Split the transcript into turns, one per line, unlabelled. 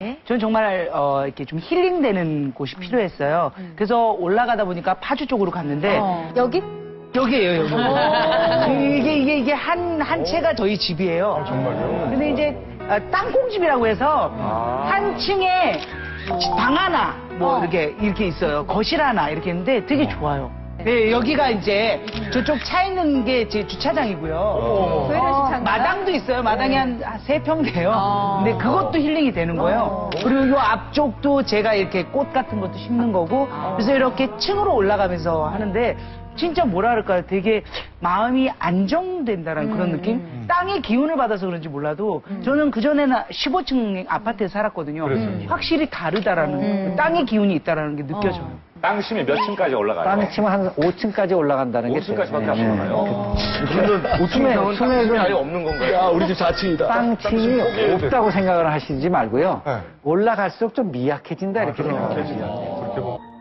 전 정말 이렇게 좀 힐링되는 곳이 필요했어요. 그래서 올라가다 보니까 파주 쪽으로 갔는데
여기?
여기에요, 여기. 이게 한 채가 저희 집이에요.
정말요?
근데 이제 땅콩집이라고 해서 한 층에 방 하나 이렇게 있어요. 거실 하나 이렇게 있는데 되게 좋아요. 네, 여기가 이제 저쪽 차 있는 게 제 주차장이고요. 마당도 있어요. 마당이 한 3평 돼요. 근데 그것도 힐링이 되는 거예요. 그리고 요 앞쪽도 제가 이렇게 꽃 같은 것도 심는 거고 그래서 이렇게 층으로 올라가면서 하는데 진짜 뭐라 그럴까요? 되게 마음이 안정된다는 그런 느낌? 땅의 기운을 받아서 그런지 몰라도 저는 그전에는 15층 아파트에 살았거든요. 확실히 다르다라는 그 땅의 기운이 있다라는 게 느껴져요.
땅 치면 몇 층까지 올라가요?
땅 치면 한 5층까지 올라간다는 게
5층까지밖에 안 올라가요?
그러면 5층
수맥은
아예 없는 건가요?
야, 우리 집 4층이다.
땅층이 없다고 생각을 하시지 말고요.
네.
올라갈수록 좀 미약해진다 이렇게 생각을 하시면 돼요.
그렇게 보면.